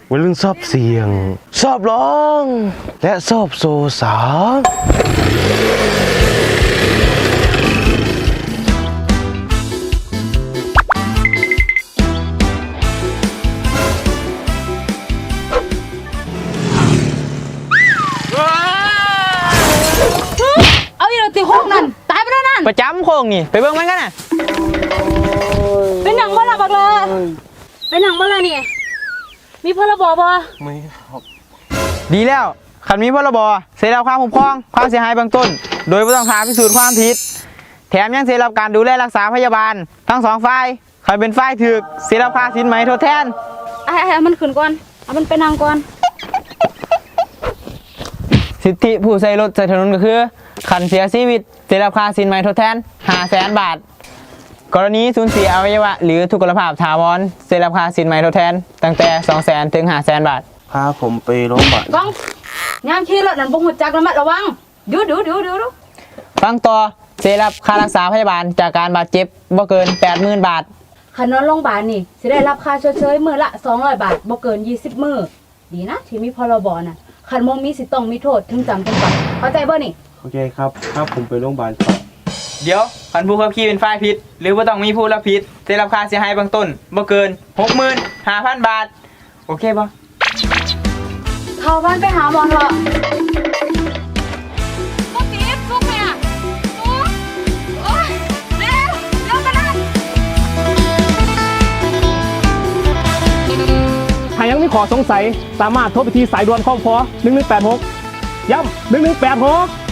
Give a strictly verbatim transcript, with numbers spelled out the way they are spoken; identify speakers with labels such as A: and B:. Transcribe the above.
A: วัยรุ่นชอบเสียงชอบร้องและชอบโซสา
B: เอาอีเราตีโคกนั่นตายไปแล้วนั่น
C: ประจำโคงนี่ไปเบิ่งมันกันน่ะ
B: เป็นหนังบ่ล่ะบักเลยเป็นหนังบ่ล่ะนี่มีพรบบ่
A: ไม่ครับ
C: ดีแล้วขันมีพรบเสียรับความคุ้มครองความเสียหายเบื้องต้นโดยไม่ต้องหาพิสูจน์ความผิดแถมยังเสียรับการดูแลรักษาพยาบาลทั้งสองฝ่ายใครเป็นฝ่ายถูกเสียรับค่าสินไหมทดแทน
B: ไอ้ไอ้มันขึ้นก่อนเอามันไปนั่งก่อน
C: สิทธิผู้ใช้รถใช้ถนนก็คือขันเสียชีวิตเสียรับค่าสินไหมทดแทนห้าแสนบาทกรณีสูญเสียอวัยวะหรือทุกขลภาพถาวรเสียรับค่าสินไหมทดแทนตั้งแต่สองแสนถึงห้าแสนบาท
A: พาผมไปโรงพยาบาล
B: ก้องยามขี่รถนั่นบ่ฮู้จักระมัดระวังดูดูดูดูดู
C: ฟังต่อเสียรับค่ารักษาพยาบาลจากการบาดเจ็บบ่เกิน แปดหมื่น บาท
B: คันนอนโรงพยาบาลนี่สิได้รับค่าชดเชยมื้อละสองร้อยบาทบ่เกินยี่สิบมื้อดีนะที่มีพรบน่ะคันบ่มีสิต้องมีโทษถึงจำถึงปรับเข้าใจบ่นี่
A: โอเคครับถ้าผมไปโรงพยาบาลครับ
C: เดี๋ยวคันผู้ขับขี่เป็นฝ่ายผิดหรือว่าต้องมีผู้รับผิดได้รับค่าเสียหายเบื้องต้นบ่เกิน หกหมื่นห้าพัน บาทโอเคป่ะ
B: เข้าบ้านไปหาหมอเถอะบ่ติดซุกแม่ซุกโอ๊ยเร็วเร็วกันนะ
D: หากยังมีขอสงสัยสามารถโทรไปที่สายด่วนคอพหนึ่งหนึ่งแปดหกย้ำหนึ่งหนึ่งแปดหก